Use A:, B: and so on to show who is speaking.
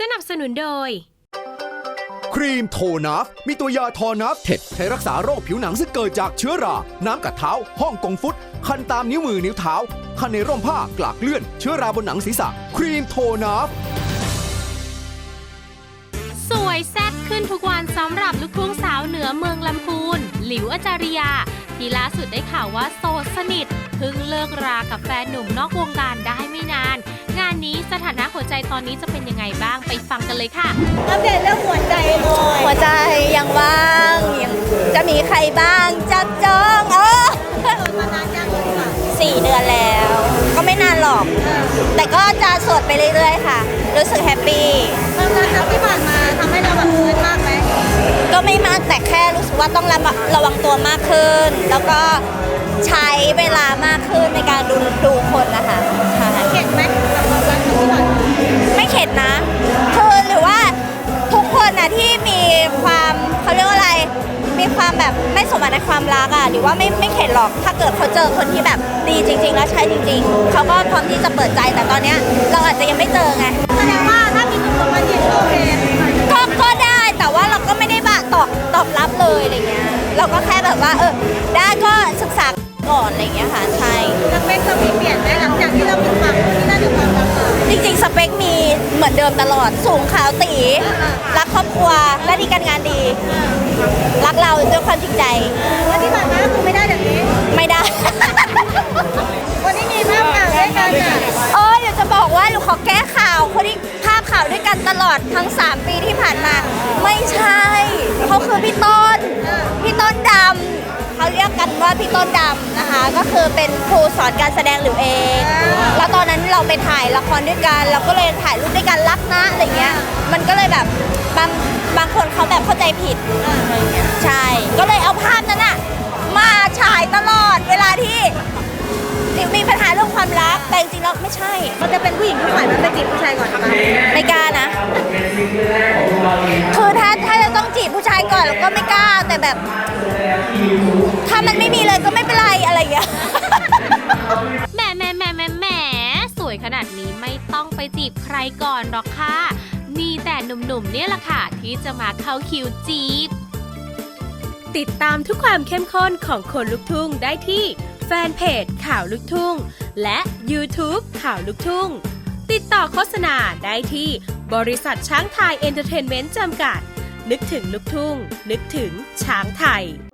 A: นับสนุนโดย
B: ครีมโทนัฟมีตัวยาทอนัฟเท็ดใช้รักษาโรคผิวหนังซึ่งเกิดจากเชื้อราน้ำกัดเท้าห้องกงฟุตคันตามนิ้วมือนิ้วเท้าคันในร่มผ้ากลากเลื่อนเชื้อราบนหนังศีรษะครีมโทนัฟ
A: สวยแซ่บขึ้นทุกวันสำหรับลูกทุ่งสาวเหนือเมืองลำพูนหลิวอาจาริยาที่ล่าสุดได้ข่าวว่าโสดสนิทเพิ่งเลิกรากับแฟนหนุ่มนอกวงการได้ไม่นานงานนี้สถานะหัวใจตอนนี้จะเป็นยังไงบ้างไปฟังกันเลยค่ะ
C: อัปเดตเรื่องหัวใจเลยหัวใจยังว่างยังจะมีใครบ้างจับจองมานานยัง4 เดือนแล้วก็ไม่นานหรอกแต่ก็จะโสดไปเรื่อยๆค่ะรู้สึกแฮปปี้ความรักที่ผ่านมาทำให้เราแบบฟื้นมากไหมก็ไม่มากแต่แค่รู้สึกว่าต้องระวังตัวมากขึ้นแล้วก็ใช้เวลามากขึ้นในการดูคนนะคะเข็ดไหมกับความรักที่ผ่านมาไม่เข็ดนะคือหรือว่าทุกคนนะที่มีความเขาเรียกว่าอะไรมีความแบบไม่สมหวังในความรักอ่ะหรือว่าไม่เข็ดหรอกถ้าเกิดเขาเจอคนที่แบบดีจริงๆแล้วใช่จริงๆเขาก็พร้อมที่จะเปิดใจแต่ตอนเนี้ยเราอาจจะยังไม่เจอไงแสดงว่าถ้ามีคนมาจีบโอเคก็ได้แต่ว่าเราก็ไม่ได้ตอบรับเลยอะไรเงี้ยเราก็แค่แบบว่าได้ก็ศึกษาก่อนอะไรเงี้ยค่ะใช่สเปคเรามีเปลี่ยนไหมหลังจากที่เราเป็นความที่น่าจะความรักจริงๆสเปคมีเหมือนเดิมตลอดสูงขาวตีรักครอบครัวหน้าที่การงานดีรักเราด้วยความจริงใจแล้วที่ผ่านมาคือไม่ได้แบบนี้ไม่ได้วันนี้มีภาพข่าวด้วยกันเดี๋ยวจะบอกว่าหนูขอแก้ข่าวคนที่ภาพข่าวด้วยกันตลอดทั้ง3 ปีที่ผ่านมาไม่ใช่เขาคือพี่ต้นดำเขาเรียกกันว่าพี่ต้นดำนะคะก็คือเป็นครูสอนการแสดงหลิวเองแล้วตอนนั้นเราไปถ่ายละครด้วยกันเราก็เลยถ่ายรูปด้วยกันรักนะอะไรเงี้ยมันก็เลยแบบบางคนเขาแบบเข้าใจผิดอะไรเงี้ยใช่ก็เลยเอาภาพนั้นอะมาฉายตลอดเวลาที่มีปัญหาเรื่องความรักแต่จริงๆแล้วไม่ใช่มันจะเป็นผู้หญิงผู้ชายมันไปจีบผู้ชายก่อนนะคะไม่กล้านะคือถ้าจะต้องจีบผู้ชายก่อนก็ไม่กล้าแต่แบบถ้ามันไม่มีเลยก็ไม่เป็นไรอะไรอย่างเงี้ย
A: แหมสวยขนาดนี้ไม่ต้องไปจีบใครก่อนหรอกค่ะมีแต่หนุ่มๆเนี่ยแหละค่ะที่จะมาเข้าคิวจีบติดตามทุกความเข้มข้นของคนลุกทุ่งได้ที่แฟนเพจข่าวลูกทุ่งและ YouTube ข่าวลูกทุ่งติดต่อโฆษณาได้ที่บริษัทช้างไทยเอนเตอร์เทนเมนต์จำกัดนึกถึงลูกทุ่งนึกถึงช้างไทย